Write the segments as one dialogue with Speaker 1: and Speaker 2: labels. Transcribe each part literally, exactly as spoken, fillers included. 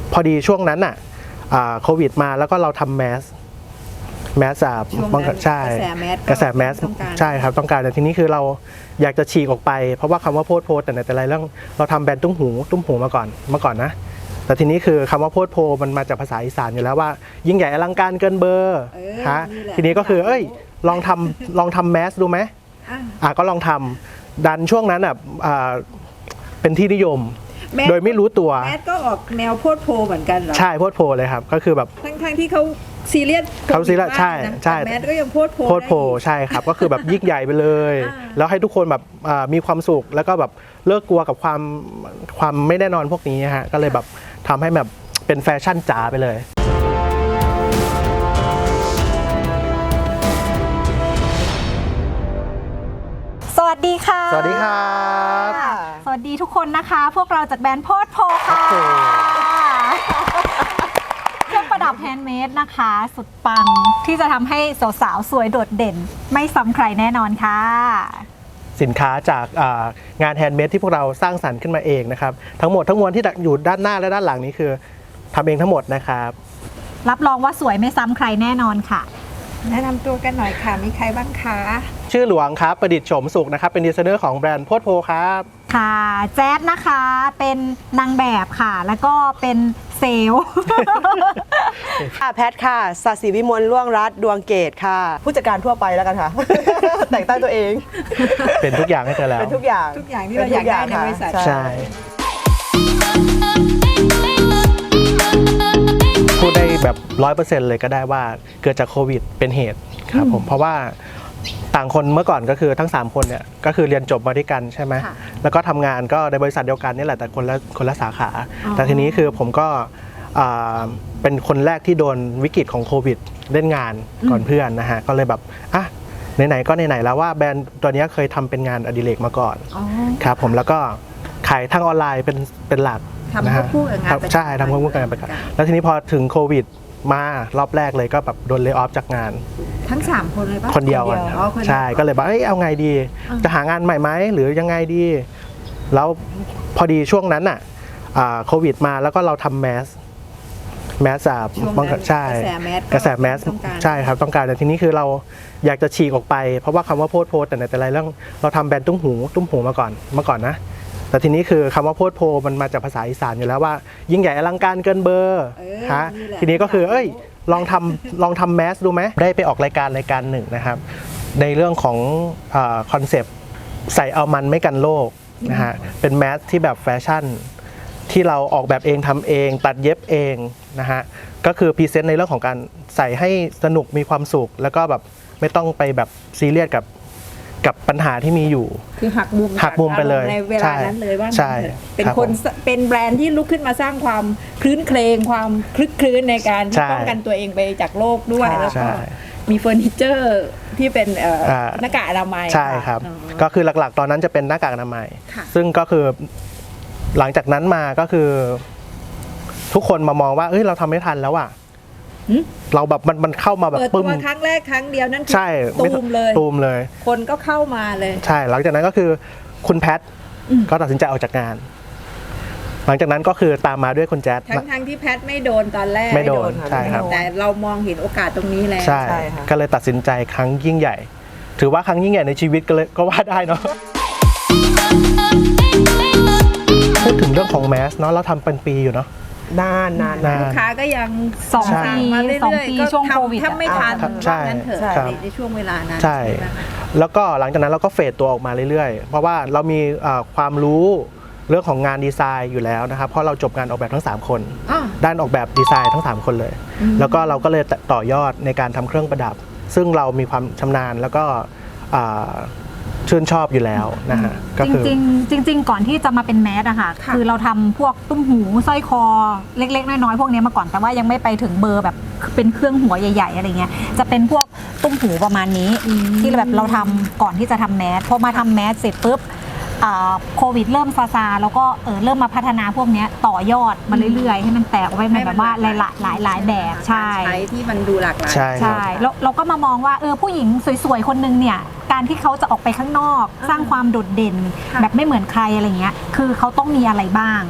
Speaker 1: พอดีช่วงนั้นอ่ะโควิดมาแล้วก็เราทำแมสแมสอ่ะป้องกันใช่กระแสแมสใช่ครับต้องการแต่ทีนี้คือเราอยากจะฉีกออกไปเพราะว่าคำว่าโพดโพดแต่ในแต่ละเรื่องเราทำแบรนด์ตุ้มหูตุ้มหูมาก่อนเมื่อก่อนนะแต่ทีนี้คือคำว่าโพดโพมันมาจากภาษาอีสานอยู่แล้วว่ายิ่งใหญ่อลังการเกินเบอร์ฮะทีนี้ก็คือเอ้ยลองทำลองทำแมสดูไหมอ่ะก็ลองทำดันช่วงนั้นอ่ะเป็นที่นิยมโดยไม่รู้ตัว
Speaker 2: แมสก็ออกแนวโพดโพเหมือนกันเหรอ
Speaker 1: ใช่โพดโพเลยครับก็คือแบบ
Speaker 2: ทั้งๆที่เขาซีเรียส
Speaker 1: เขาซีเรียสใช่ใช่
Speaker 2: แมสก็ยังโพดโพ
Speaker 1: โพดโพใช่ครับก็คือแบบยิ่งใหญ่ไปเลยแล้วให้ทุกคนแบบมีความสุขแล้วก็แบบเลิกกลัวกับความความไม่แน่นอนพวกนี้ฮะก็เลยแบบทำให้แบบเป็นแฟชั่นจ๋าไปเลย
Speaker 3: สวัสดีค่ะ
Speaker 1: สวัสดีครับ
Speaker 3: สวัสดีทุกคนนะคะพวกเราจากแบรนด์โพดโพค่ะเครื่องประดับแฮนด์เมดนะคะสุดปังที่จะทำให้สาวๆสวยโดดเด่นไม่ซ้ำใครแน่นอนค่ะ
Speaker 1: สินค้าจากงานแฮนด์เมดที่พวกเราสร้างสรรค์ขึ้นมาเองนะครับทั้งหมดทั้งมวลที่อยู่ด้านหน้าและด้านหลังนี้คือทำเองทั้งหมดนะครับ
Speaker 3: รับรองว่าสวยไม่ซ้ำใครแน่นอนค่ะ
Speaker 2: แนะนำตัวกันหน่อยค่ะมีใครบ้างคะ
Speaker 1: ชื่อหลวงครับประดิษฐ์โฉมสุขนะครับเป็นดีไซเนอร์ของแบรนด์โพดโพครับ
Speaker 3: ค่ะแจ๊ดนะคะเป็นนางแบบค่ะแล้วก็เป็นเซลล์
Speaker 4: ค่ะแพทค่ะศศิ วิมลล่วงรัตน์ดวงเกตค่ะผู้จัดการทั่วไปแล้วกันค่ะ แต่งตั้งตัวเอง
Speaker 1: เป็นทุกอย่างให้เธอแล้ว
Speaker 4: เป็นทุกอย่าง
Speaker 2: ทุกอย่างที่เราอยากได้ในบริษัท
Speaker 1: ใช่พูดได้แบบร้อยเปอร์เซ็นต์เลยก็ได้ว่าเกิดจากโควิดเป็นเหตุครับผมเพราะว่าต่างคนเมื่อก่อนก็คือทั้งสามคนเนี่ยก็คือเรียนจบมาด้วยกันใช่ไหมแล้วก็ทำงานก็ในบริษัทเดียวกันนี่แหละแต่คนละคนละสาขาแต่ทีนี้คือผมก็เป็นคนแรกที่โดนวิกฤตของโควิดเล่นงานก่อนเพื่อนนะฮะก็เลยแบบอ่ะไหนๆก็ไหนๆแล้วว่าแบรนด์ตัวนี้เคยทำเป็นงานอดิเรกมาก่อนครับผมแล้วก็ขายทางออนไลน์เป็นเป็นหลัก
Speaker 2: ทำควบคู่กับงาน
Speaker 1: ใช่ทำควบคู่กับงานประกันแล้วทีนี้พอถึงโควิดมารอบแรกเลยก็แบบโดนเลย์ออฟจากงาน
Speaker 2: ทั้งสามคนเลยป่ะ
Speaker 1: คนเดียวใช่ก็เลยบอกเอ้ยเอาไงดีจะหางานใหม่ไหมหรือยังไงดีแล้วพอดีช่วงนั้นอ่ะโควิดมาแล้วก็เราทำแมสแมสอ่ะป้องกันใช่กระแสแมสใช่ครับต้องการแต่ทีนี้คือเราอยากจะฉีกออกไปเพราะว่าคำว่าโพดโพแต่ในแต่ละเรื่องเราทำแบรนด์ตุ้มหูตุ้มหูมาก่อนเมื่อก่อนนะแต่ทีนี้คือคำว่าโพดโพมันมาจากภาษาอีสานอยู่แล้วว่ายิ่งใหญ่อลังการเกินเบอร์ฮะทีนี้ก็คือเอ้ยลองทำลองทำแมสดูไหมได้ไปออกรายการรายการหนึ่งนะครับในเรื่องของคอนเซปต์ใส่เอามันไม่กันโรคนะฮะเป็นแมสที่แบบแฟชั่นที่เราออกแบบเองทำเองตัดเย็บเองนะฮะก็คือพรีเซนต์ในเรื่องของการใส่ให้สนุกมีความสุขแล้วก็แบบไม่ต้องไปแบบซีเรียสกับกับปัญหาที่มีอยู่
Speaker 2: คือหักมุม
Speaker 1: หักมุมไปเลย
Speaker 2: ในเวลานั้นเลยว่า
Speaker 1: ใช่
Speaker 2: เป็นคนเป็นแบรนด์ที่ลุกขึ้นมาสร้างความคลื้นเครงความคลึกคลื้นในการป้องกันตัวเองไปจากโรคด้วยแล้วก็มีเฟอร์นิเจอร์ที่เป็นหน้ากากอนามัย
Speaker 1: ใช่ครับก็คือหลักๆตอนนั้นจะเป็นหน้ากากอนามัยซึ่งก็คือหลังจากนั้นมาก็คือทุกคนมามองว่าเอ้ยเราทำไม่ทันแล้วอ่ะเราแบบมันมันเข้ามาแบบ
Speaker 2: ปึ้มครั้งแรกครั้งเดียวนั่น
Speaker 1: ใช่
Speaker 2: ตูมเลย
Speaker 1: ตูมเลย
Speaker 2: คนก็เข้ามาเลย
Speaker 1: ใช่หลังจากนั้นก็คือคุณแพทก็ตัดสินใจออกจากงานหลังจากนั้นก็คือตามมาด้วยคุณแจ๊ด
Speaker 2: ทั้งทั้งที่แพทไม่โดนตอนแรก
Speaker 1: ไม่โดนใช่ครับ
Speaker 2: แต่เรามองเห็นโอกาสตรงนี้แล้ว
Speaker 1: ใช่ก็เลยตัดสินใจครั้งยิ่งใหญ่ถือว่าครั้งยิ่งใหญ่ในชีวิตก็เลยก็ว่าได้เนาะพูดถึงเรื่องของแมสเนาะเราทำเป็นปีอยู่เนาะ
Speaker 4: นานนาน
Speaker 2: ลูกค้าก็ยัง
Speaker 3: สองปี
Speaker 2: มาเรื่อยๆก็
Speaker 3: ช่วงโควิด
Speaker 2: ถ้าไม่ทันว่างั้นเถอะในช่วงเวลานั้น
Speaker 1: ใช่แล้วก็หลังจากนั้นเราก็เฟดตัวออกมาเรื่อยๆเพราะว่าเรามีความรู้เรื่องของงานดีไซน์อยู่แล้วนะครับเพราะเราจบงานออกแบบทั้งสามคนด้านออกแบบดีไซน์ทั้งสามคนเลยแล้วก็เราก็เลยต่อยอดในการทำเครื่องประดับซึ่งเรามีความชำนาญแล้วก็ชื่นชอบอยู่แล้วนะฮะ
Speaker 3: จริงๆจริงๆก่อนที่จะมาเป็นแมสอะค่ะคือเราทำพวกตุ้มหูสร้อยคอเล็กๆน้อยๆพวกนี้มาก่อนแต่ว่ายังไม่ไปถึงเบอร์แบบเป็นเครื่องหัวใหญ่ๆอะไรเงี้ยจะเป็นพวกตุ้มหูประมาณนี้ที่แบบเราทำก่อนที่จะทำแมสพอมาทำแมสเสร็จปุ๊บโควิดเริ่มซาซาแล้วก็เออเริ่มมาพัฒนาพวกนี้ต่อยอดมาเรื่อยๆให้มันแตกออกไปในแบบว่าหลายๆหลายหลายแบบใช่
Speaker 2: ใช้ที่มันดูหลากหลาย
Speaker 3: ใช่แล้วเราก็มามองว่าเออผู้หญิงสวยๆคนนึงเนี่ยการที่เขาจะออกไปข้างนอกสร้างความโดดเด่นแบบไม่เหมือนใครอะไรเงี้ยคือเขาต้องมีอะไรบ้าง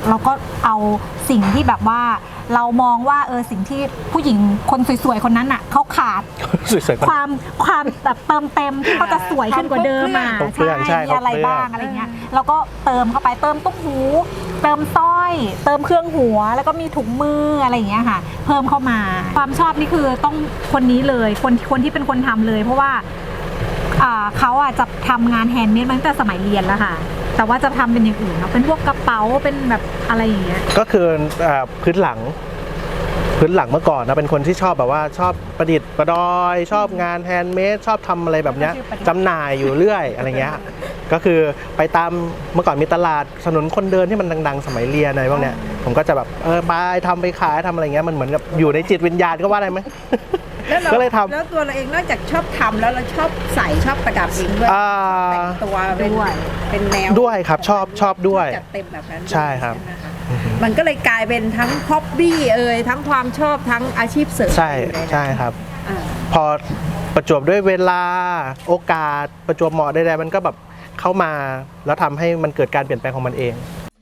Speaker 3: เราก็เอาสิ่งที่แบบว่าเรามองว่าเออสิ่งที่ผู้หญิงคนสวยๆคนนั้นอ่ะเขาขาด
Speaker 1: สวยๆก่อน
Speaker 3: ความความแบบเติมเต็มที่เขาจะสวยขึ้นกว่าเดิมอ่ะ
Speaker 1: ครบเครื่องใช่
Speaker 3: มีอะไร
Speaker 1: ครบเครื่อง
Speaker 3: บ้างอะไรเงี้ยเราก็เติมเข้าไปเติมตุ้มหู เติมสร้อย เติมเครื่องหัวแล้วก็มีถุงมืออะไรอย่างเงี้ยค่ะ เพิ่มเข้ามา ความชอบนี่คือต้องคนนี้เลยคนคนที่เป็นคนทำเลย เพราะว่าอ่าเขาอ่ะจะทำงานแฮนด์เมดมาตั้งแต่สมัยเรียนแล้วค่ะ แต่ว่าจะทำเป็นอย่างอื่นเนาะเป็นพวกกระเป๋าเป็นแบบอะไรอย่างเงี้ย
Speaker 1: ก็คือเอ่อพื้นหลัง พื้นหลังเมื่อก่อนนะเป็นคนที่ชอบแบบว่าชอบประดิษฐ์ประดอย ชอบงานแฮนด์เมดชอบทำอะไรแบบเนี้ยจำหน่ายอยู่เรื่อยอะไรเงี้ยก็คือไปตามเมื่อก่อนมีตลาดถนนคนเดินที่มันดังๆ สมัยเรียนอะไรพวกเนี้ยผมก็จะแบบเออไปทำไปขายทำอะไรเงี้ยมันเหมือนกับอยู่ในจิตวิญญาณก็ว่าได้ไหม
Speaker 2: แล้วเรา
Speaker 1: ก็เลยทำ
Speaker 2: แล้วตัวเราเองนอกจากชอบทำแล้วเราชอบใส่ชอบประดับเองด้วย
Speaker 1: อ่า
Speaker 2: แต่งตัวเป็น
Speaker 3: ด้วย
Speaker 2: เป็นแนว
Speaker 1: ด้วยครับชอบชอบด้วย
Speaker 2: จัดเต็มแบบนั้น
Speaker 1: ใช่ครับ
Speaker 2: ไหมคะมันก็เลยกลายเป็นทั้งฮ็อบบี้เอ่ยทั้งความชอบทั้งอาชีพเสริม
Speaker 1: ใช่
Speaker 2: อยู่นนั้น
Speaker 1: ใช่ครับ
Speaker 2: อ่า
Speaker 1: พอประจวบด้วยเวลาโอกาสประจวบเหมาะใดๆมันก็แบบเข้ามาแล้วทำให้มันเกิดการเปลี่ยนแปลงของมันเอง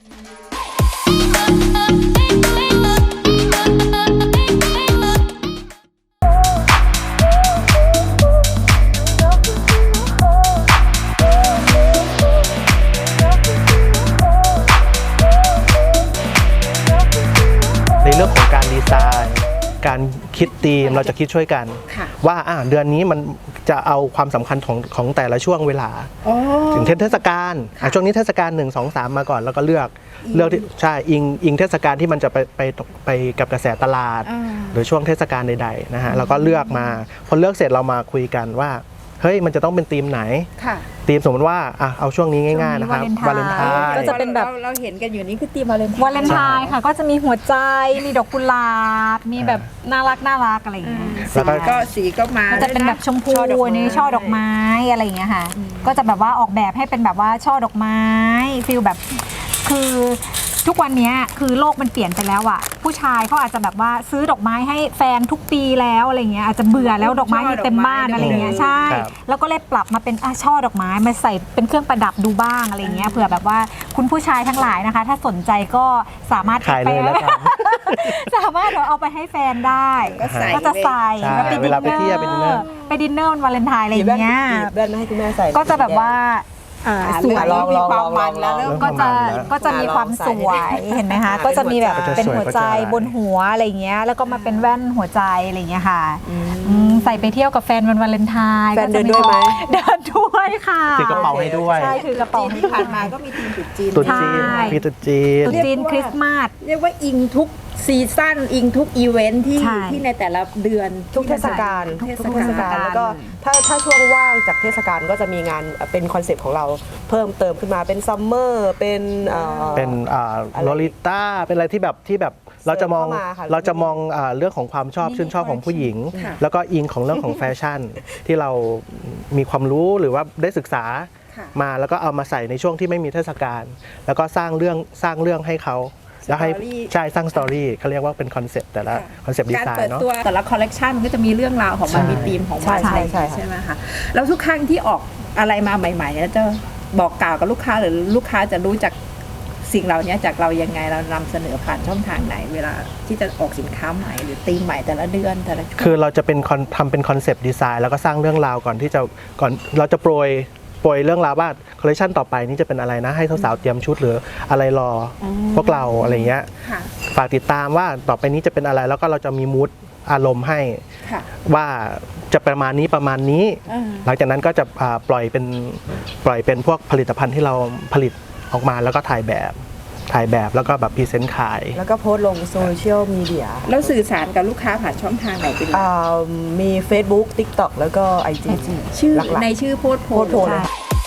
Speaker 1: ในเรื่องของการดีไซน์ การคิดธีมเราจะคิดช่วยกัน
Speaker 2: ค่ะ
Speaker 1: ว่าอ่ะเดือนนี้มันจะเอาความสำคัญของของแต่ละช่วงเวลา
Speaker 2: อ๋อ
Speaker 1: ถึงเทศกาลอ่ะช่วงนี้เทศกาลหนึ่งสองสามมาก่อนแล้วก็เลือกเลือกที่ใช่อิงอิงเทศกาลที่มันจะไปไปไปกับกระแสตลาด
Speaker 2: อ่า
Speaker 1: หรือช่วงเทศกาลใดๆนะฮะเราก็เลือกมาพอเลือกเสร็จเรามาคุยกันว่าเฮ้ยมันจะต้องเป็นธีมไหน
Speaker 2: ค่ะ
Speaker 1: ธีมสมมติว่าอ่ะเอาช่วงนี้ง่ายๆนะครับ
Speaker 3: ช่วงนี้วาเลนไทน์
Speaker 1: น์
Speaker 3: ก็จะเป็นแบบ
Speaker 2: ราเราเห็นกันอยู่นี่คือตีมวาเลนไทน์
Speaker 3: วาเลนไทน์ค่ะ ก็จะมีหัวใจมีดอกกุหลาบมีแบบน่ารักน่ารักอะไรอย่างเงี้ย
Speaker 1: แล้วก็
Speaker 2: ก็สีก็มา
Speaker 3: มันจะเป็นแบบชมพู
Speaker 2: ช่อดอกไม้
Speaker 3: นี่ช่อดอกไม้อะไรอย่างเงี้ยค่ะ ก็จะแบบว่าออกแบบให้เป็นแบบว่าช่อดอกไม้ฟิลแบบคือทุกวันนี้คือโลกมันเปลี่ยนไปแล้วอะผู้ชายเขาอาจจะแบบว่าซื้อดอกไม้ให้แฟนทุกปีแล้วอะไรเงี้ยอาจจะเบื่อแล้วดอกไม้มีเต็มบ้านอะไรเงี้ยใช่
Speaker 1: ครับ
Speaker 3: แล้วก็เลยปรับมาเป็นอ่ะช่อดอกไม้มาใส่เป็นเครื่องประดับดูบ้างอะไรเงี้ยเผื่อแบบว่าคุณผู้ชายทั้งหลายนะคะ ถ้าสนใจก็สามารถ
Speaker 1: ขายเลยแล้วกัน
Speaker 3: สามารถเอาไปให้แฟนได้
Speaker 2: ก็ใส่
Speaker 3: ก็จะใส่
Speaker 1: ใช่
Speaker 3: แล้วไป
Speaker 1: เวลาไปเที่ยวไปดินเนอร์
Speaker 3: ไปดินเนอร์วันวาเลนไทน์อะไรอย่างเงี้ย
Speaker 4: หยิบแว่นมาให้คุณแม่ใส่
Speaker 3: ก็จะแบบว่าอ่า
Speaker 2: อ่า
Speaker 3: สวย
Speaker 2: เริ่ม
Speaker 4: ล
Speaker 2: มี
Speaker 4: อง
Speaker 2: ความ
Speaker 4: ลอง
Speaker 2: มันแล้ว
Speaker 4: ลอง
Speaker 2: เริ่ม
Speaker 3: ก็จะ
Speaker 1: ประมาณนั้น
Speaker 3: ก็จะมีความสวยเห็นไหมคะ ก็จะมีแบบ
Speaker 1: ก็จะ
Speaker 3: เป็น
Speaker 1: สวย
Speaker 3: หัวใจ
Speaker 1: ก็จะอะไร
Speaker 3: บนหัวอะไรอย่างเงี้ยแล้วก็มาเป็นแว่นหัวใจอะไรอย่างเงี้ยค่ะอืมใส่ไปเที่ยวกับแฟนวันวาเลนไทน์
Speaker 4: แฟน
Speaker 3: ก็จะ
Speaker 4: เดินด้วยไหม
Speaker 3: เดินด้วยค่ะ
Speaker 1: ถือกระเป๋าให้ด้วย
Speaker 3: ใช่ถือกระเป๋า
Speaker 2: จีนที่ผ่านมาก็มีทีมจุดจีน
Speaker 1: ตุ๊ดจีน
Speaker 3: ใช่
Speaker 1: มีตุ๊ดจีน
Speaker 3: ตุ๊ดจีนคริสต์มาส
Speaker 2: เรียกว่าอิงทุกซีซั่นอิงทุกอีเวนท์ที่
Speaker 3: ใช่
Speaker 2: ที่ในแต่ละเดือน
Speaker 4: ทุกเทศกาล
Speaker 2: ทุก
Speaker 4: ทุกเทศกาลแล้วก็ถ้าถ้าช่วงว่างจากเทศกาลก็จะมีงานเป็นคอนเซปต์ของเราเพิ่มเติมขึ้นมาเป็นซัมเมอร์เป็นเอ่อ
Speaker 1: เป็นอ่า
Speaker 4: อะไร
Speaker 1: โลลิต้าเป็นอะไรที่แบบที่แบบเราจะมอง
Speaker 4: เสริมเข้ามาค่ะ
Speaker 1: เราจะมองอ่าเรื่องของความชอบชื่นชอบของผู้หญิง
Speaker 2: ค่ะ
Speaker 1: แล้วก็อิงของเรื่องของแฟชั่น ที่เรามีความรู้หรือว่าได้ศึกษา
Speaker 2: ค่ะ
Speaker 1: มาแล้วก็เอามาใส่ในช่วงที่ไม่มีเทศกาลแล้วก็สร้างเรื่องสร้างเรื่องให้เขาแล้วให้
Speaker 2: Story
Speaker 1: ใช่สร้างสตอรี่เขาเรียกว่าเป็นคอนเซปต์แต่ละคอนเซปต์ดี
Speaker 2: การ
Speaker 1: ไซ
Speaker 2: เปิด
Speaker 1: น์เนาะ
Speaker 2: ตัวแต่ละคอลเลกชันมันก็จะมีเรื่องราวของมัน
Speaker 1: ใช่
Speaker 2: มีธีมของ
Speaker 4: ใช่
Speaker 2: มัน
Speaker 4: ใช่ใช่ค่ะ
Speaker 2: ใช่ไหมคะแล้วทุกครั้งที่ออกอะไรมาใหม่ๆเนี่ยจะบอกกล่าวกับลูกค้าหรือลูกค้าจะรู้จากสิ่งเหล่านี้จากเรายังไงเรานำเสนอผ่านช่องทางไหน เวลาที่จะออกสินค้าใหม่หรือธีมใหม่แต่ละเดือนแต่ละช่วง
Speaker 1: คือเราจะเป็นคอนทำเป็นคอนเซปต์ดีไซน์แล้วก็สร้างเรื่องราวก่อนที่จะก่อนเราจะโปรยโปรยเรื่องราวว่าคอลเลคชันต่อไปนี้จะเป็นอะไรนะให้สาวๆเตรียมชุดหรืออะไรรออพวกเราอะไรเงี้ย
Speaker 2: ค่ะ
Speaker 1: ฝากติดตามว่าต่อไปนี้จะเป็นอะไรแล้วก็เราจะมีมูดอารมณ์ให้
Speaker 2: ค่ะ
Speaker 1: ว่าจะประมาณนี้ประมาณนี้
Speaker 2: อ่า
Speaker 1: หลังจากนั้นก็จะอ่าปล่อยเป็นปล่อยเป็นพวกผลิตภัณฑ์ที่เราผลิตออกมาแล้วก็ถ่ายแบบถ่ายแบบแล้วก็แบบพรีเซนต์ขาย
Speaker 4: แล้วก็โพสต์ลงโซเชียลมีเดีย
Speaker 2: แล้วสื่อสารกับลูกค้าผ่านช่องทางไหนเป็นหลัก
Speaker 4: อ่ามี Facebook TikTok แล้วก็ ไอ จี
Speaker 2: ชื่อ
Speaker 4: หลักๆ
Speaker 2: ในชื่อโพสต์โพ
Speaker 4: โพสต์โพสต์เลย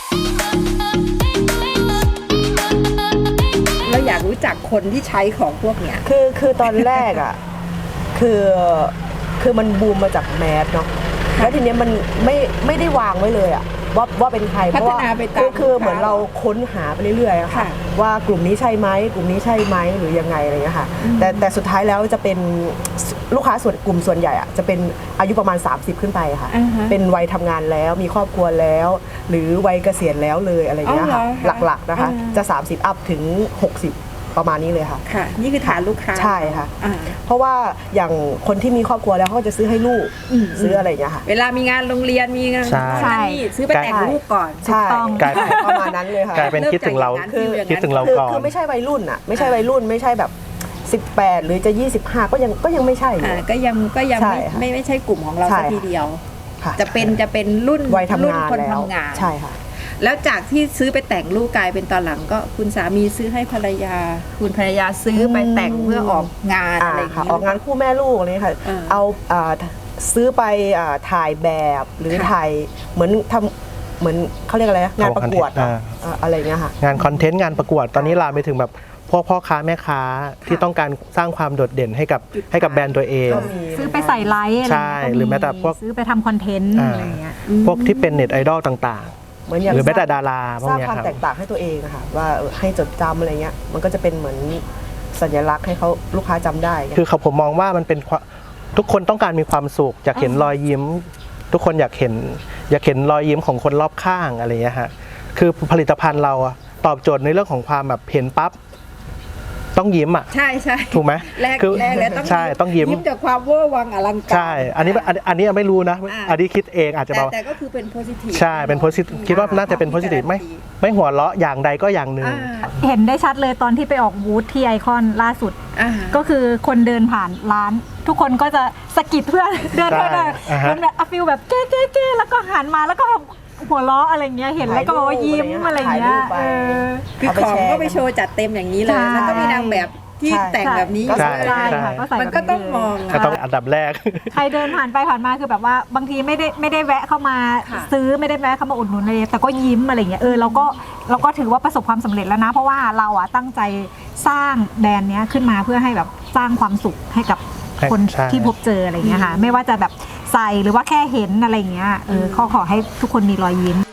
Speaker 2: เราอยากรู้จักคนที่ใช้ของพวกเนี้ย
Speaker 4: คือคือตอนแรกอ่ะ คือคือมันบูมมาจากแมสเนาะแล้วทีเนี้ยมันไม่ไม่ได้วางไว้เลยอ่ะว่าว่าเป็นใครเพราะว่า
Speaker 2: พัฒนาไปตาม
Speaker 4: คือคือ
Speaker 2: ลูกค้า
Speaker 4: เหมือนเราค้นหาไปเรื่อยๆอะค่ะ
Speaker 2: ค่ะ
Speaker 4: ว่ากลุ่มนี้ใช่ไหมกลุ่มนี้ใช่ไหมหรือยังไงอะไรเงี้ยค่ะแต่แต่สุดท้ายแล้วจะเป็นลูกค้าส่วนกลุ่มส่วนใหญ่อะจะเป็นอายุประมาณ สามสิบ ขึ้นไปอะค่ะ
Speaker 2: อ่าฮะ
Speaker 4: เป็นวัยทำงานแล้วมีครอบครัวแล้ว หรือวัยเกษียณแล้วเลยอะไรเงี้ยค่ะ
Speaker 2: อ๋อเหรอคะ
Speaker 4: หลักๆนะคะ
Speaker 2: อ่า
Speaker 4: จะ สามสิบ อัพถึง หกสิบประมาณนี้เลยค่ะ
Speaker 2: ค่ะ นี่คือฐานลูกค้า
Speaker 4: ใช่ค่ะ
Speaker 2: อ่า
Speaker 4: เพราะว่าอย่างคนที่มีครอบครัวแล้วเขาก็จะซื้อให้ลูก
Speaker 2: อืม
Speaker 4: ซื้ออะไรอย่างเงี้ยค่ะ
Speaker 2: เวลามีงานโรงเรียนมีงาน
Speaker 1: ใช่
Speaker 2: นั่นนี่ซื้อไปแต่งลูกก่อน
Speaker 4: ใช่
Speaker 3: ถูกต้อง
Speaker 1: กลายเป็น
Speaker 4: ประมาณนั้นเลยค่ะ
Speaker 1: กลายเป็นคิดถึงเรา
Speaker 2: คือ
Speaker 1: คิดถึงเรา
Speaker 4: คือ
Speaker 1: ก่อน
Speaker 4: คือไม่ใช่วัยรุ่นอ่ะไม่ใช่วัยรุ่นไม่ใช่แบบสิบแปดหรือจะยี่สิบห้าก็ยังก็ยังไม่ใช่อยู่
Speaker 2: อ่าก็ยังก็ยัง
Speaker 4: ใช่
Speaker 2: ไม่
Speaker 4: ค่ะ
Speaker 2: ไม่ไม่ใช่กลุ่มของเรา
Speaker 4: ใช่
Speaker 2: สักทีเดียว
Speaker 4: ค่ะ
Speaker 2: จะเป็นจะเป็นรุ่น
Speaker 4: วัยทำ
Speaker 2: รุ่น
Speaker 4: งาน
Speaker 2: คน
Speaker 4: แล้ว
Speaker 2: ทำงาน
Speaker 4: ใช่ค่ะ
Speaker 2: แล้วจากที่ซื้อไปแต่งลูกกลายเป็นตอนหลังก็คุณสามีซื้อให้ภรรยา คุณภรรยาซื้อไปแต่งเพื่อออกงาน
Speaker 4: อ่า
Speaker 2: อะไรอย่าง
Speaker 4: ค่ะ
Speaker 2: นี้
Speaker 4: ออกงานคู่แม่ลูกอะไรค่ะ
Speaker 2: อ่า
Speaker 4: เอาอ่าซื้อไปอ่าถ่ายแบบหรือ
Speaker 2: ค่ะ
Speaker 4: ถ่ายเหมือนทำเหมือนเขาเรียกอะไรนะงานประกวด
Speaker 1: อ่า
Speaker 4: อ่าอะไรเงี้ยค่ะ
Speaker 1: งานคอนเทนต์งานประกวดตอนนี้ลามไปถึงแบบพวกพ่อค้าแม่ค้าที่ต้องการสร้างความโดดเด่นให้กับให้กับแบรนด์ตัวเอง
Speaker 4: ก็มี
Speaker 3: ซื้อไปใส่ไลฟ์อะไร
Speaker 1: ใช่
Speaker 3: เงี้ยก็
Speaker 1: หรือแม้แต่พวก
Speaker 3: ซื้อไปทำคอนเทนต์
Speaker 1: อ่า
Speaker 3: อะไรเงี้ย
Speaker 1: พวกที่เป็นเน็ตไอดอลต่าง
Speaker 4: เหมือนอย่าง
Speaker 1: ๆ หรือแม้แต่
Speaker 4: สร้ง
Speaker 1: ดาราพว
Speaker 4: ส
Speaker 1: ก
Speaker 4: ร้าง
Speaker 1: เนี้ย
Speaker 4: ความ
Speaker 1: ครับ
Speaker 4: แตกต่างให้ตัวเองอะค่ะว่าเออให้จดจำอะไรเงี้ยมันก็จะเป็นเหมือนสัญลักษณ์ให้เขาลูกค้าจำได้
Speaker 1: คือเขาผมมองว่ามันเป็นความทุกคนต้องการมีความสุขอยากเห็นรอยยิ้ม ทุกคนอยากเห็นอยากเห็นรอยยิ้มของคนรอบข้างอะไรเงี้ยฮะคือผลิตภัณฑ์เราอะตอบโจทย์ในเรื่องของความแบบเห็นปั๊บต้องยิ้มอ่ะ
Speaker 2: ใช่ใช่
Speaker 1: ถูกไหม
Speaker 2: แรก
Speaker 1: คือ
Speaker 2: แรกแล้วต้อง
Speaker 1: ใช่ต้องยิ้ม
Speaker 2: ยิ้มจากความเวอร์วังอลังการ
Speaker 1: ใช่ อันนี้อันอันนี้ไม่รู้นะ
Speaker 2: อ่า
Speaker 1: อันนี้คิดเองอาจจะ
Speaker 2: แต่
Speaker 1: บอก
Speaker 2: แต่ก็คือเป็นโพซิทีฟ
Speaker 1: ใช่เป็นโพสิทีฟคิดว่าน่าจะเป็นโพสิทีฟไม่ไม่หัวเราะอย่างใดก็อย่างหนึ่ง
Speaker 3: เห็นได้ชัดเลยตอนที่ไปออกบูธที่ไอคอนล่าสุด
Speaker 2: อ่า
Speaker 3: ก็คือคนเดินผ่านร้าน ทุกคนก็จะสะกิดเพื่อน เดินไปหน่อย
Speaker 1: อ่าฮะ
Speaker 3: มันแบบฟิลแบบเก้เก้เก้แล้วก็หันมาแล้วก็หัวเราะอะไรเงี้ยเห็นแล้วก็บอกว่ายิ้มอะไรเงี้ย
Speaker 4: ถ่ายรูปไป
Speaker 3: เออ
Speaker 2: คือของก็ไปโชว์จัดเต็มอย่างนี้เลย
Speaker 3: ใช่
Speaker 2: แล้วก็มีนางแบบที่
Speaker 4: ใช่
Speaker 2: แต่งแบบนี้
Speaker 1: ใช่
Speaker 3: ใช่ค่ะก็ใส่
Speaker 2: มันก็ต้องมอง
Speaker 1: ก็ต้องอันดับแรก
Speaker 3: ใครเดินผ่านไปผ่านมาคือแบบว่าบางทีไม่ได้ไม่ได้แวะเข้ามา
Speaker 2: ค่ะ
Speaker 3: ซื้อไม่ได้แวะเข้ามาอุดหนุนเลยแต่ก็ยิ้มอะไรเงี้ยเออเราก็เราก็ถือว่าประสบความสำเร็จแล้วนะ เพราะว่าเราอ่ะตั้งใจสร้างแบรนด์เนี้ยขึ้นมาเพื่อให้แบบสร้างความสุขให้กับคน
Speaker 1: ใช่
Speaker 3: ที่พบเจออะไรเงี้ยค่ะไม่ว่าจะแบบใส่หรือว่าแค่เห็นอะไรเงี้ยเออขอขอให้ทุกคนมีรอยยิ้ม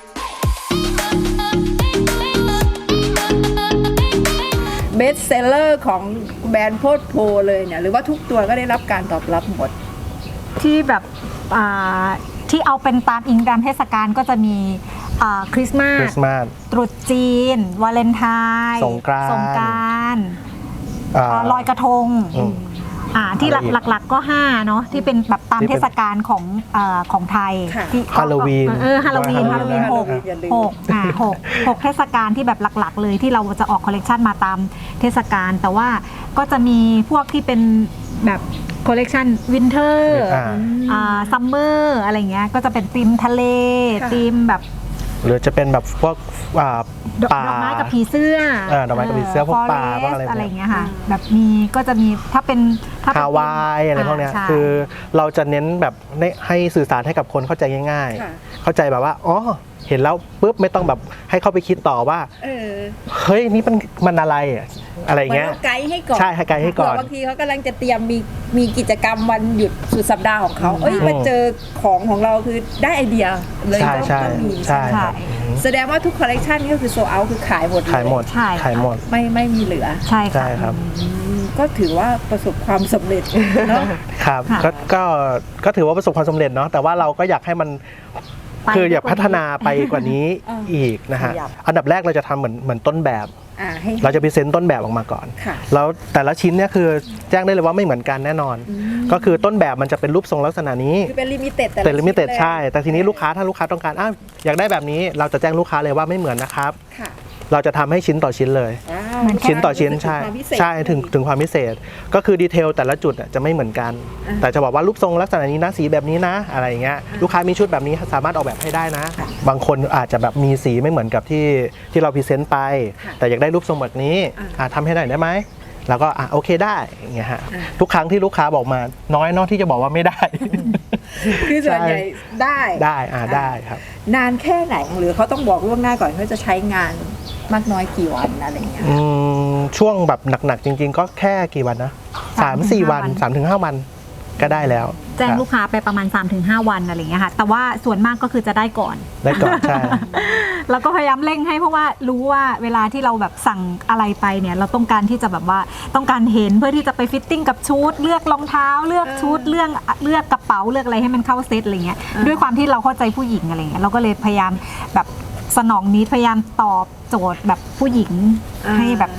Speaker 2: เบสเซลเลอร์ของแบรนด์โพดโพเลยเนี่ยหรือว่าทุกตัวก็ได้รับการตอบรับหมด
Speaker 3: ที่แบบอ่าที่เอาเป็นตามอิงตามเทศกาลก็จะมีอ่าคริสต์มา
Speaker 1: คริ
Speaker 3: ส
Speaker 1: สต์มาส
Speaker 3: ตรุษจีน วาเลนไทน์
Speaker 1: สงกรานต์
Speaker 3: สงกรานต์
Speaker 1: อ่า
Speaker 3: อ่าลอยกระทง
Speaker 1: อืม
Speaker 3: อ่าที่
Speaker 1: อะไรอีก
Speaker 3: หลักๆก็ห้าเนาะที่เป็นแบบตาม
Speaker 1: ที่
Speaker 3: เท
Speaker 1: เป็น
Speaker 3: ศกาลของเอ่อของไทย
Speaker 2: ค่ะ
Speaker 3: ที่
Speaker 1: ฮาโลวีน
Speaker 3: เออฮาโลวีนฮาโลวีนหก
Speaker 2: อย่าลืม
Speaker 3: หกอ่าหกหกเทศกาลที่แบบหลักๆ เลยที่เราจะออกคอลเลกชันมาตามเทศกาลแต่ว่าก็จะมีพวกที่เป็นแบบคอลเลกชันวินเทอร์
Speaker 1: อ่า
Speaker 3: อ่าซัมเมอร์อะไรเงี้ยก็จะเป็นธีมทะเล
Speaker 2: ค่ะ
Speaker 3: ธีมแบบ
Speaker 1: หรือจะเป็นแบบพวกอ่า
Speaker 3: ดอก
Speaker 1: ป่า
Speaker 3: ดอกไม้กับผีเสื้อ
Speaker 1: เออดอกไม้กับผีเสื้อพวกป่าพวกอะไรแบบเนี้ย
Speaker 3: อะไรเงี้ยค่ะแบบมีก็จะมีถ้าเป็นถ้าเป็น
Speaker 1: ฮาวายอะไรพวกเนี้ย
Speaker 3: าใช่
Speaker 1: คือเราจะเน้นแบบให้ให้สื่อสารให้กับคนเข้าใจง่าย
Speaker 2: ค่ะ
Speaker 1: ๆ เข้าใจแบบว่าอ๋อเห็นแล้วปุ๊บไม่ต้องแบบให้เข้าไปคิดต่อว่า
Speaker 2: เออ
Speaker 1: เฮ้ยนี่มันมันอะไรอะอะไร
Speaker 2: เหมือน
Speaker 1: เงี้ย
Speaker 2: เราไกด์ให้ก่อน
Speaker 1: ใช่ให้ไกด์ให้ก่อน
Speaker 2: เผื่บางทีเขากำลังจะเตรียมมีมีกิจกรรมวันหยุดสุดสัปดาห์ของเขาเอ้ยมาเจอของของเราคือได้ไอเดียเลย
Speaker 1: ใช่
Speaker 2: ต้อง
Speaker 1: ใช่
Speaker 2: ต้องมี
Speaker 1: ใช่ครับ
Speaker 2: แสดงว่าทุกคอลเลกชันก็คือโซเอาคือขายหมดเลย
Speaker 1: ขายหมด
Speaker 3: ใช่
Speaker 1: ขายหมด
Speaker 2: ไม่ไม่มีเหลือ
Speaker 3: ใช่
Speaker 1: ใช่
Speaker 3: ค่ะ
Speaker 1: ครับ
Speaker 2: อืมก็ถือว่าประสบความสำเร็จเนาะ
Speaker 1: ครับ
Speaker 3: ค่ะ
Speaker 1: ก็ก็ก็ถือว่าประสบความสำเร็จเนาะแต่ว่าเราก็อยากให้มัน
Speaker 3: ไป
Speaker 1: คืออยาก
Speaker 3: กว่า
Speaker 1: พัฒนาไปกว่านี้
Speaker 2: อ่า
Speaker 1: อีกนะฮะ
Speaker 4: ขยับ
Speaker 1: อันดับแรกเราจะทำเหมือนเหมือนต้นแบบ
Speaker 2: อ่าให้
Speaker 1: เราจะพรีเซนต์ต้นแบบออกมาก่อน
Speaker 2: ค่ะ
Speaker 1: แล้วแต่ละชิ้นเนี่ยคือแจ้งได้เลยว่าไม่เหมือนกันแน่นอน ก็คือต้นแบบมันจะเป็นรูปทรงลักษณะนี้
Speaker 2: คือเป็นลิมิเต็ด
Speaker 1: แต่ลิมิเต็ดใช่ แต่ทีนี้ลูกค้าถ้าลูกค้าต้องการอ้าวอยากได้แบบนี้เราจะแจ้งลูกค้าเลยว่าไม่เหมือนนะครับ
Speaker 2: ค่ะ
Speaker 1: เราจะทำให้ชิ้นต่อชิ้นเลย
Speaker 2: ว้าว
Speaker 3: เหมือน
Speaker 1: ชิ้นต่อชิ้นใช่
Speaker 2: ความพิเศษ
Speaker 1: ใช่ถึงถึงความพิเศษ ก็คือดีเทลแต่ละจุดอะจะไม่เหมือนกัน
Speaker 2: อ่า
Speaker 1: แต่จะบอกว่ารูปทรงลักษณะนี้นะสีแบบนี้นะอะไรอย่างเงี้ยลูกค้ามีชุดแบบนี้สามารถออกแบบให้ได้นะ
Speaker 2: ค่ะ
Speaker 1: บางคนอาจจะแบบมีสีไม่เหมือนกับที่ที่เราพรีเซนต์ไป
Speaker 2: ค่ะ
Speaker 1: แต่อยากได้รูปทรงแบบนี้
Speaker 2: อ่า
Speaker 1: อ่ะทำให้หน่อยได้ไหมแล้วก็อ่ะโอเคได้อย่างเงี้ยฮะ
Speaker 2: อ่า
Speaker 1: ทุกครั้งที่ลูกค้าบอกมาน้อยเนอะที่จะบอกว่าไม่ได้
Speaker 2: คือส่วนใหญ่ได้
Speaker 1: ได้อ่าได้ครับ
Speaker 2: นานแค่ไหนหรือเขาต้องบอกล่วงหน้าก่อนเขาจะใช้งานมากน้อยกี่วันอะไรอย่างเงี้ย
Speaker 1: อืมช่วงแบบหนักๆจริง ๆ ก็แค่กี่วันนะสามสี่วันสามถึงห้าวันก็ได้แล้ว
Speaker 3: แจ้ง
Speaker 1: ครับ
Speaker 3: ลูกค้าไปประมาณ สามถึงห้า วันอะไรเงี้ยค่ะ แต่ว่าส่วนมากก็คือจะได้ก่อน
Speaker 1: ได้ก่อนใช่
Speaker 3: แล้วก็พยายามเร่งให้เพราะว่ารู้ว่าเวลาที่เราแบบสั่งอะไรไปเนี่ยเราต้องการที่จะแบบว่าต้องการเห็นเพื่อที่จะไปฟิตติ้งกับชุดเลือกรองเท้าเลือกชุดเลือกเลือกกระเป๋าเลือกอะไรให้มันเข้าเซตอะไรเงี้ยด้วยความที่เราเข้าใจผู้หญิงอะไรเงี้ยเราก็เลยพยายามแบบสนองนิดพยายามตอบโจทย์แบบผู้หญิงให้แบบ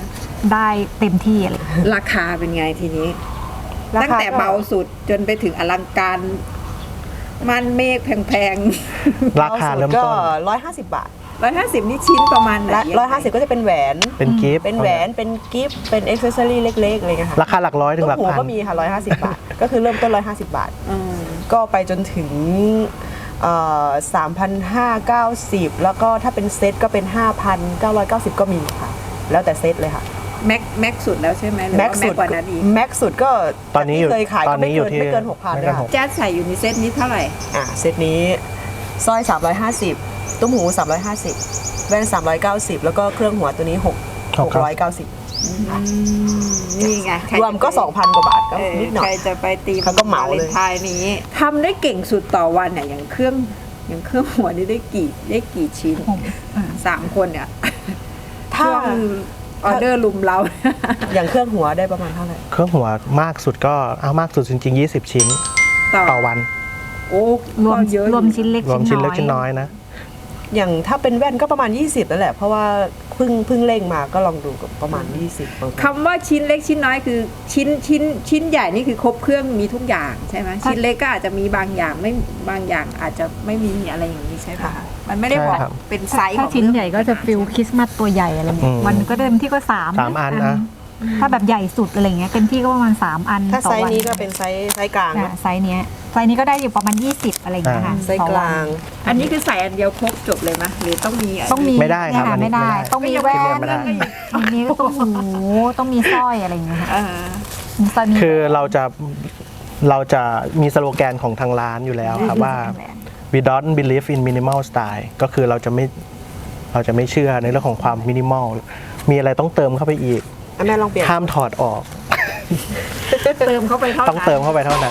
Speaker 3: ได้เต็มที่อะไรอย่างเงี้ย
Speaker 2: ราคาเป็นไงทีนี้
Speaker 4: ราคา
Speaker 2: ตั้งแต่เบาสุดจนไปถึงอลังการมันเมฆแพง
Speaker 1: ราคาเริ่ม
Speaker 4: ก็
Speaker 1: ต้น
Speaker 4: ร้อยห้าสิบบาท
Speaker 2: ๆร้อยห้าสิบนี่ชิ้นประมาณไหน
Speaker 4: และร้อยห้าสิบก็จะเป็นแหวน
Speaker 1: เป็นกิฟต์
Speaker 4: เป็นแหวนเป็นกิฟต์เป็นอ็อกเซสซอรี่เล็กๆอะไรเงี้ยค่ะ
Speaker 1: ราคาหลักร้อยถึงหลัก
Speaker 4: หัว
Speaker 1: พัน
Speaker 4: ก็มีค่ะร้อยห้าสิบบาท ก็คือเริ่มต้นร้อยห้าสิบบาท
Speaker 2: อืม
Speaker 4: ก็ไปจนถึงสามพันห้าเก้าสิบแล้วก็ถ้าเป็นเซตก็เป็นห้าพันเก้าร้อยเก้าสิบก็มีค่ะ แล้วแต่เซตเลยค่ะ
Speaker 2: แม็กแม็กสุดแล้วใช่ไหมหรือ
Speaker 4: แม็ก
Speaker 2: ว่า
Speaker 4: สุ
Speaker 2: แม็
Speaker 4: ด
Speaker 2: กกว่านั้นอีก
Speaker 4: แม็กสุดก็
Speaker 1: ตอนนี้อยู่
Speaker 4: ที่เคยขาย
Speaker 1: ตอ
Speaker 4: ก็
Speaker 1: น
Speaker 4: ไม่
Speaker 1: นี้อยู่
Speaker 4: เกิน
Speaker 1: ที่
Speaker 4: ไม่เกินหกพัน
Speaker 1: ไม่
Speaker 4: เล
Speaker 1: เกิ
Speaker 4: ย
Speaker 1: นห
Speaker 4: ค่ะ
Speaker 1: ก
Speaker 2: แจ๊สใส่อยู่ในเซตนี้เท่าไหร่
Speaker 4: อ่ะเซตนี้สร้อยสามร้อยห้าสิบตุ้มหูสามร้อยห้าสิบแว่นสามร้อยเก้าสิบแล้วก็เครื่องหัวตัวนี้หก
Speaker 1: ห
Speaker 4: ห
Speaker 1: ก
Speaker 4: กร้อยเก้าสิบ
Speaker 2: นี่ไงใค
Speaker 4: รวมก็
Speaker 2: จะไป
Speaker 4: สองพันกว่าบาทก็
Speaker 2: เออ
Speaker 4: นิดหน่อ
Speaker 2: ใคร
Speaker 4: ย
Speaker 2: จะไปตี
Speaker 4: เขาก็เหมาเลย
Speaker 2: วนไทายนี้ทำได้เก่งสุดต่อวันเนี่ยอย่างเครื่องอย่างเครื่องหัวนี่ได้กี่ได้กี่ชิ้น
Speaker 3: ผมอ่า
Speaker 2: สามคนเนี่ย
Speaker 4: ถ้า
Speaker 2: ช่วงออเดอร์ลุมเรา
Speaker 4: อย่างเครื่องหัวได้ประมาณเท่าไหร่
Speaker 1: เครื่องหัวมากสุดก็เอามากสุดจริงๆยี่สิบชิ้น
Speaker 2: ต่อ
Speaker 1: ต่อวัน
Speaker 2: โอ้
Speaker 3: รวม
Speaker 2: ก็เยอะ
Speaker 3: รวมชิ้นเล็ก
Speaker 1: รวมชิ้นเล็ก
Speaker 3: น้อย
Speaker 1: ชิ้นน้อยนะ
Speaker 4: อย่างถ้าเป็นแว่นก็ประมาณยี่สิบนั่นแหละ เพราะว่าเพิ่งเพิ่งเร่งมาก็ลองดูกับประมาณยี่สิบ
Speaker 2: คำว่าชิ้นเล็กชิ้นน้อยคือชิ้นชิ้นชิ้นใหญ่นี่คือครบเครื่องมีทุกอย่างใช่ไหมชิ้นเล็กก็อาจจะมีบางอย่างไม่บางอย่างอาจจะไม่มีอะไรอย่างนี้ใช่ไหมคะมันไม่ได้บอก
Speaker 1: ใช่ครับ
Speaker 2: เป็นไซส์ข
Speaker 3: ถ้า
Speaker 2: อง
Speaker 3: ชิ้นใหญ่ก็จะฟิลคริสต์มาสตัวใหญ่อะไรเงี้
Speaker 1: อื
Speaker 3: ย
Speaker 1: ม
Speaker 3: วันก็เต็มที่ก็สาม
Speaker 1: สามอันนะ
Speaker 3: ถ้าแบบใหญ่สุดอะไรเงี้ยเต็มที่ก็ประมาณสามอัน
Speaker 4: ถ้า
Speaker 3: ต่อ
Speaker 4: ไซส์
Speaker 3: วัน
Speaker 4: นี้ก็เป็นไซส์ไซส์กลาง
Speaker 3: อ่ะ
Speaker 4: นะ
Speaker 3: ไซส์เนี้ยไซส์นี้ก็ได้อยู่ประมาณยี่สิบอะไรอย่างเงี้ยค่ะ
Speaker 4: ไซส์
Speaker 3: ต่อก วั
Speaker 4: ลาน ง
Speaker 2: อันนี้คือใส่อันเดียวครบจบเลยไหมหรือต้องมี
Speaker 3: ต้องมี
Speaker 1: ไม่ได้ครับ
Speaker 3: เนี่ย
Speaker 1: อันนี้
Speaker 3: ไม่ได้
Speaker 1: ไม่ได้
Speaker 3: ต้องมี
Speaker 1: ชิ้น
Speaker 3: แว่
Speaker 1: เดีย
Speaker 3: น
Speaker 1: วไม่ได้
Speaker 3: มีต้องหูต้องมีสร้อยอะไรอย่างเงี้ยค่ะ
Speaker 2: อ่า
Speaker 3: มีสร้อยมี
Speaker 1: คือเราจะเราจะมีสโลแกนของทางร้านอยู่แล้วครับว่า we don't believe in minimal style ก็คือเราจะไม่เราจะไม่เชื่อในเรื่องของความมินิมอลมีอะไรต้องเติมเข้าไปอีก
Speaker 4: อ่ะแม่ลองเปลี่ยน
Speaker 1: ห้ามถอดออก
Speaker 2: เติมเข้าไปเท่านั้น
Speaker 1: ต้องเติมเข้าไปเท่านั้น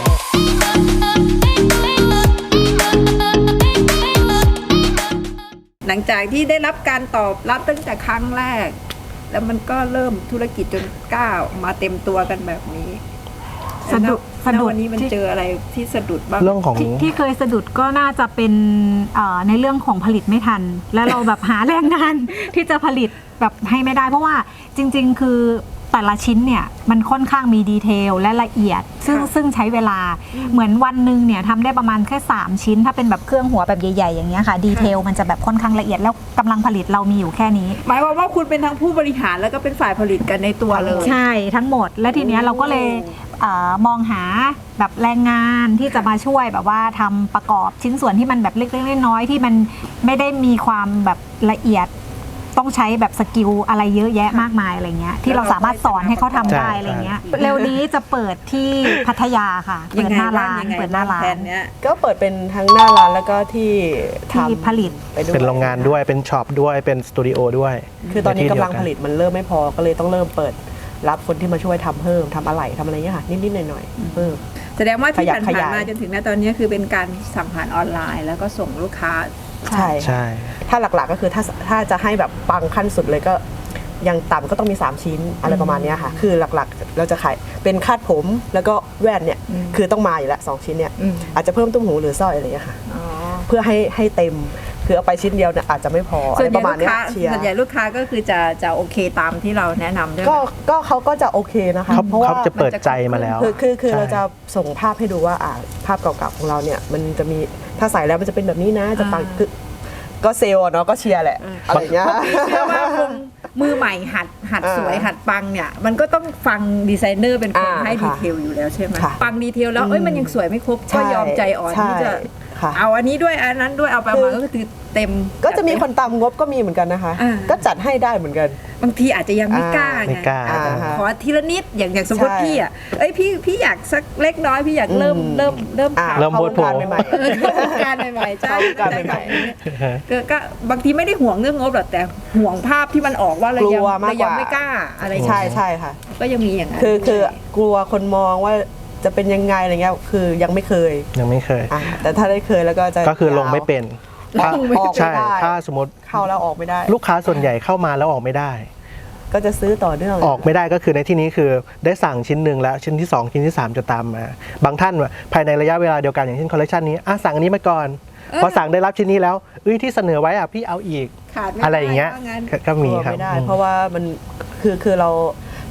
Speaker 2: หลังจากที่ได้รับการตอบรับตั้งแต่ครั้งแรก แล้วมันก็เริ่มธุรกิจจนก้าวมาเต็มตัวกันแบบนี้
Speaker 3: สะดุด
Speaker 2: แล้ว
Speaker 3: สะดุด
Speaker 2: วันนี้มัน
Speaker 3: ที่
Speaker 2: เจออะไรที่สะดุดบ้าง
Speaker 1: เรื่องของ
Speaker 3: ที่ที่เคยสะดุดก็น่าจะเป็นเอ่อในเรื่องของผลิตไม่ทัน แล้วเราแบบหาแรงงาน ที่จะผลิตแบบให้ไม่ได้ เพราะว่าจริง ๆ คือแต่ละชิ้นเนี่ยมันค่อนข้างมีดีเทลและละเอียด ซึ่งซึ่งใช้เวลาเหมือนวันหนึ่งเนี่ยทำได้ประมาณแค่สามชิ้น ถ้าเป็นแบบเครื่องหัวแบบใหญ่ๆอย่างเงี้ยค่ะดีเทลมันจะแบบค่อนข้างละเอียดแล้วกำลังผลิตเรามีอยู่แค่นี้
Speaker 2: หมายความว่าคุณเป็นทั้งผู้บริหารแล้วก็เป็นฝ่ายผลิตกันในตัวเลย
Speaker 3: ใช่ทั้งหมดและทีเนี้ยเราก็เลยเออมองหาแบบแรงงานที่จะมาช่วยแบบว่าทำประกอบชิ้นส่วนที่มันแบบเล็กๆน้อยๆที่มันไม่ได้มีความแบบละเอียด ต้องใช้แบบสกิลอะไรเยอะแยะมากมายอะไรเงี้ยที่เราสามารถสอนให้เขาทำได้
Speaker 1: ใช่
Speaker 3: อะไรเงี้ยเร็วนี้จะเปิดที่พัทยาค่ะ
Speaker 2: ยั
Speaker 3: เปิด
Speaker 2: ไง
Speaker 3: หน้า
Speaker 2: บ้าง
Speaker 3: ร้าน
Speaker 2: ยังไง
Speaker 3: เปิดหน้าร้า
Speaker 2: แผ
Speaker 3: น
Speaker 2: นเนี้ย
Speaker 4: ก็เปิดเป็นทั้งหน้าร้านแล้วก็ที่
Speaker 3: ที่
Speaker 4: ทำ
Speaker 3: ผลิต
Speaker 4: ไปด้วย
Speaker 1: เป็นโรงงานด้วยเป็นช็อปด้วยเป็นสตูดิโอด้วย
Speaker 4: คือตอนนี้
Speaker 1: ใที่
Speaker 4: กำลัง
Speaker 1: เดียว
Speaker 4: ผลิตมันเริ่มไม่พอก็เลยต้องเริ่มเปิดรับคนที่มาช่วยทำเพิ่มทำอะไหล่ทำอะไรเงี้ยค่ะนิดๆหน่อยๆเพิ่ม
Speaker 2: แสดงว่าที่
Speaker 4: ขยับ
Speaker 2: ผ่าน
Speaker 4: ขยาย
Speaker 2: ๆมาจนถึงณตอนนี้คือเป็นการสั่งผ่านออนไลน์ แล้วก็ส่งลูกค้า
Speaker 4: ใช่
Speaker 1: ใช่
Speaker 4: ถ้าหลักๆก็คือถ้าถ้าจะให้แบบปังขั้นสุดเลยก็ยังต่ำก็ต้องมี สาม ชิ้นอะไรประมาณเนี้ยค่ะ คือหลักๆเราจะขายเป็นคาดผมแล้วก็แว่นเนี่ย
Speaker 2: อืม
Speaker 4: คือต้องมาอยู่แล้วสองชิ้นเนี่ย
Speaker 2: อืม
Speaker 4: อาจจะเพิ่มตุ้มหูหรือสร้อยอะไรอย่างเงี้ยค่ะ
Speaker 2: อ๋อ
Speaker 4: เพื่อให้ให้เต็มคือเอาไปชิ้นเดียวเนี่ยอาจจะไม่พออะ
Speaker 2: ส่ว
Speaker 4: ไร
Speaker 2: นให
Speaker 4: ป
Speaker 2: ญ่
Speaker 4: ระมาณ
Speaker 2: ลูก
Speaker 4: เนี้ย
Speaker 2: ค้า
Speaker 4: เชียร์
Speaker 2: ส่วนใหญ่ลูกค้าก็คือจะจะโอเคตามที่เราแนะนำด้วยไหม
Speaker 4: ก็ก็เขาก็จะโอเคนะคะ
Speaker 1: เขา
Speaker 4: เพราะว่า
Speaker 1: เขาจะเปิดใจมาแล้ว
Speaker 4: คือคือคือ
Speaker 1: ใช่
Speaker 4: เราจะส่งภาพให้ดูว่าอ่าภาพเก่าๆของเราเนี่ยมันจะมีถ้าใส่แล้วมันจะเป็นแบบนี้นะจะปังคือก็เซลล์อะเนาะก็เชียร์แหละอะไรอย่างเงี้ย
Speaker 2: เชื่อว่าคงมือใหม่หัดหัด
Speaker 4: อ่า
Speaker 2: สวยหัดปังเนี่ย มันก็ต้องฟังดีไซเนอร์เป็นคน
Speaker 4: อ่า
Speaker 2: ให้ดี
Speaker 4: ค่ะ
Speaker 2: เทลอยู่แล้วใช่ไหม
Speaker 4: ค่ะ
Speaker 2: ปังดีเทลแล้วเอ้ยมันยังสวยไม่ครบก็ยอมใจอ่อน
Speaker 4: ใช่
Speaker 2: ที่จะ
Speaker 4: ค่ะ
Speaker 2: เอาอันนี้ด้วยอันนั้นด้วยเอาไปมาก็คือเต็ม
Speaker 4: ก็จะมีคนตามงบก็มีเหมือนกันนะคะ
Speaker 2: อ่า
Speaker 4: ก็จัดให้ได้เหมือนกัน
Speaker 2: บางทีอาจจะยังไม่กล้า
Speaker 1: ไม่
Speaker 2: ไง
Speaker 1: กล้า
Speaker 2: อาจจะ
Speaker 4: อ่าฮะ
Speaker 2: ขอทีละนิดอย่างอย่างสมมติ
Speaker 4: ใช่
Speaker 2: พี่อ่ะเอ้ยพี่พี่อยากสักเล็กน้อยพี่อยากเริ่ม
Speaker 4: อืม
Speaker 2: เริ่มเริ่ม
Speaker 4: อ่า
Speaker 2: ทำ
Speaker 1: เริ่ม
Speaker 4: เข้าวงการ
Speaker 1: โพสต์
Speaker 4: ใหม่
Speaker 2: เออเข้าวงการใหม่ๆใช่
Speaker 4: เข้าวงการใหม่ๆ
Speaker 2: ก็ก็บางทีไม่ได้ห่วงเรื่องงบหรอกแต่ห่วงภาพที่มันออกว่าเรายัง
Speaker 4: กลัวมาก
Speaker 2: เรายัง
Speaker 4: กว่า
Speaker 2: ไม่กล้าอะไร
Speaker 4: ๆใช่ใช่ค่ะ
Speaker 2: ก็ยังมีอย่างนั้น
Speaker 4: คือคือ
Speaker 2: ด้วย
Speaker 4: กลัวคนมองว่าจะเป็นยังไงอะไรเงี้ยคือยังไม่เคย
Speaker 1: ยังไม่เคย
Speaker 4: อ่ะแต่ถ้าได้เคยแล้วก็จะ
Speaker 1: ก็คือลงไม่เป็นถ้า
Speaker 4: ออกไม่ได้
Speaker 1: ใช่ถ้าสมมติ
Speaker 4: เข้าแล้วออกไม่ได้
Speaker 1: ลูกค้าส่วนใหญ่เข้ามาแล้วออกไม่ได้
Speaker 4: ก็จะซื้อต่อเนื่อง
Speaker 1: ออกไม่ได้ก็คือในที่นี้คือได้สั่งชิ้นหนึ่งแล้วชิ้นที่สองชิ้นที่สามจะตามมา บางท่านภายในระยะเวลาเดียวกันอย่างเช่นคอลเลคชันนี้อ่ะสั่งอันนี้มาก่อน พอสั่งได้รับชิ้นนี้แล้วเอ้ยที่เสนอไว้อ่ะพี่เอาอีก
Speaker 2: ขาดไม่
Speaker 1: อะไร
Speaker 2: ได้
Speaker 1: อย่างเงี้ย
Speaker 2: ว่างั้น
Speaker 1: ก็ก็มี
Speaker 4: กลัว
Speaker 1: ครับ
Speaker 4: ไม่ได้
Speaker 1: อืม
Speaker 4: เพราะว่ามันคือคือเรา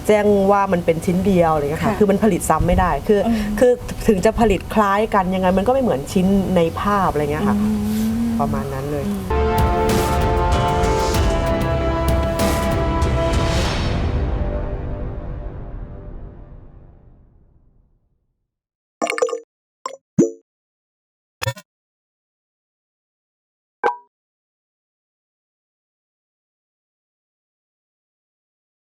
Speaker 4: แจ้งว่ามันเป็นชิ้นเดียวอะไรเงี้ยค่ะ
Speaker 2: ค่ะ
Speaker 4: คือมันผลิตซ้ำไม่ได้คืออ
Speaker 2: ม
Speaker 4: คือถึงจะผลิตคล้ายกันยังไงมันก็ไม่เหมือนชิ้นในภาพอะไรเงี้ยค่ะประมาณนั้น